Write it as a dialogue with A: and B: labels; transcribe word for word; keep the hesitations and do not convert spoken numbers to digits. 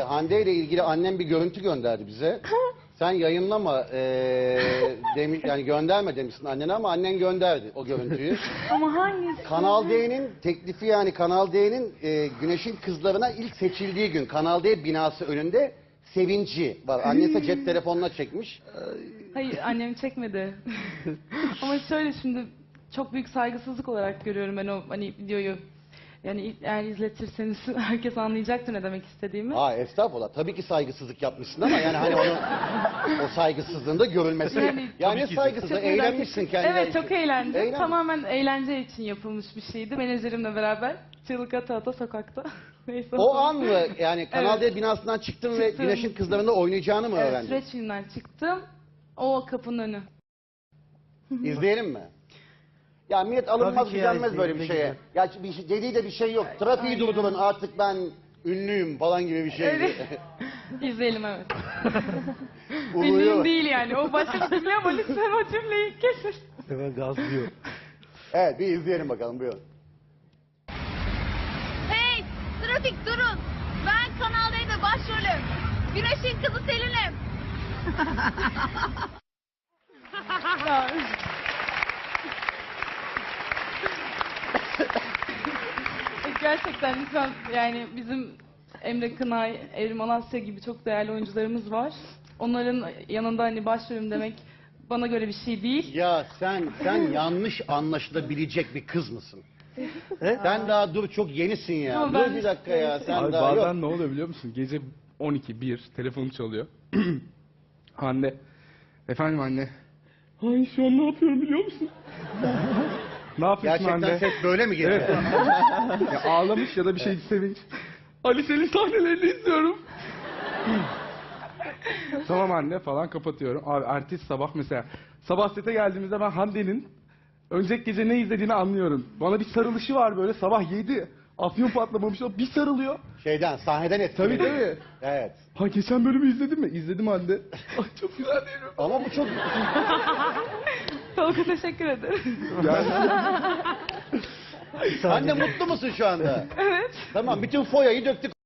A: Hande ile ilgili annem bir görüntü gönderdi bize. Sen yayınlama e, demiş, yani gönderme demişsin annene ama annen gönderdi o görüntüyü.
B: Ama hangisi?
A: Kanal D'nin teklifi, yani Kanal D'nin e, Güneş'in kızlarına ilk seçildiği gün Kanal D binası önünde sevinci var. Annesi cep telefonuna çekmiş.
B: Hayır, annem çekmedi. Ama şöyle, şimdi çok büyük saygısızlık olarak görüyorum ben o hani videoyu. Yani eğer izletirseniz herkes anlayacaktır ne demek istediğimi.
A: Aa, estağfurullah. Tabii ki saygısızlık yapmışsın ama yani hani onun o saygısızlığın da görülmesi.
B: Yani-
A: Yani, saygısızlık, eğlenmişsin kendine.
B: Evet, çok eğlendim.
A: Eğlen-
B: Tamamen eğlence için yapılmış bir şeydi. Menajerimle beraber çığlık ata ata sokakta. Neyse.
A: O an mı yani Kanal
B: Evet.
A: D binasından çıktın ve
B: Çıktım.
A: Güneş'in kızlarında oynayacağını mı
B: Evet,
A: öğrendin?
B: süreç filmden çıktım. O kapının önü.
A: İzleyelim mi? Ya millet alınmaz
C: Tabii ki ya,
A: gücenmez böyle bir
C: izleyelim,
A: şeye. Ya bir şey, dediği de bir şey yok. Trafiği
B: Aynen.
A: durdurun artık ben ünlüyüm falan gibi bir şey.
B: Evet. İzleyelim, evet.
A: Uluyor.
B: Ünlüyüm değil yani. O başka bir cümle ama lütfen o cümleyi kesin.
C: Hemen gazlıyor.
A: Evet, bir izleyelim bakalım, buyurun.
D: Hey! Trafik durun! Ben Kanal D'de başrolüm. Güneş'in kızı Selin'im.
B: Ya. Gerçekten lütfen, yani bizim Emre Kınay, Evrim Alasya gibi çok değerli oyuncularımız var. Onların yanında hani başrolüm demek bana göre bir şey değil.
A: Ya sen sen yanlış anlaşılabilecek bir kız mısın? Sen daha dur, çok yenisin ya.
B: Ama
A: Dur
B: ben-
A: bir dakika ya, sen
E: Abi
A: daha
E: bazen
A: yok.
E: ne oluyor biliyor musun? Gece on iki bir telefon çalıyor. Hande. Efendim anne. Ay şu an ne yapıyorum biliyor musun? Ne yapıyorsun
A: Gerçekten
E: Hande?
A: ses böyle mi geliyor?
E: Evet. Ya ağlamış ya da bir şey sevinç. Ali senin sahnelerini izliyorum. Tamam anne falan, kapatıyorum. Abi ertesi sabah mesela sabah sete geldiğimizde ben Hande'nin önceki gece ne izlediğini anlıyorum. Bana bir sarılışı var böyle sabah yedi. Afyon patlamamış o bir sarılıyor.
A: Şeyden, sahneden etkileniyor.
E: Tabii tabii.
A: Evet.
E: Ha geçen bölümü izledin mi? İzledim Hande. Ay çok güzel değil mi?
A: Ama bu çok...
B: Tolga, teşekkür ederim.
E: Yani
A: Anne, mutlu musun şu anda? Evet. Tamam, bütün foyayı döktük.